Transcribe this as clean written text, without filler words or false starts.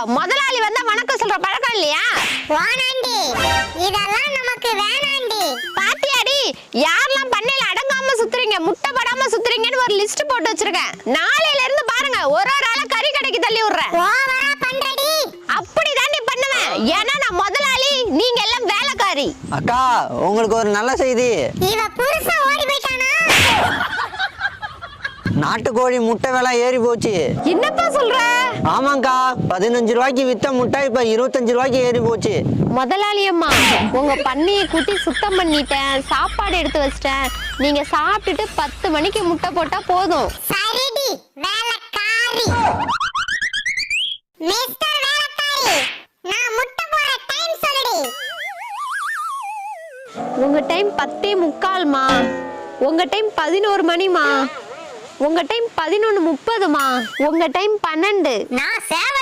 முதலாளி வந்தா வணக்கம் சொல்ற பழக்கம் இல்லையா? வானாண்டி இதெல்லாம் நமக்கு வேணாண்டி. பாத்தியாடி யாரெல்லாம் பண்ணையில அடங்காம சுத்துறீங்க முட்டை படாம சுத்துறீங்கன்னு ஒரு லிஸ்ட் போட்டு வச்சிருக்கேன். நாளையில இருந்து பாருங்க ஒரு ஆளை கறி கடைக்கு தள்ளி விடுறேன். ஓவரா பண்றடி. அப்படிதான் நீ பண்ணுவேன். ஏன்னா நான் முதலாளி, நீங்க எல்லாம் வேலைக்காரி. அக்கா உங்களுக்கு ஒரு நல்ல செய்தி. இவ புருஷன் ஓடி போயிட்டானா? நாட்டுக்கோழி முட்டை விலை ஏறி போச்சு. என்னப்பா சொல்ற? ஆமாங்கா, 15 ரூபாய்க்கு வித்த முட்டை இப்ப 25 ரூபாய்க்கு ஏறி போச்சு. முதலாளி அம்மா, உங்க பண்ணையை கூட்டி சுத்தம் பண்ணிட்டேன், சாப்பாடு எடுத்து வச்சிட்டேன். நீங்க சாப்பிட்டுட்டு 10 மணிக்கு முட்டை போட்டா போதும். சரிடி வேலைக்காரி. மிஸ்டர் வேலைக்காரி, நான் முட்டை போற டைம் சொல்லுடி. உங்க டைம் 10:45மா, உங்க டைம் 11 மணிமா, உங்க டைம் 11:30மா, உங்க டைம் 12. நான் சேவ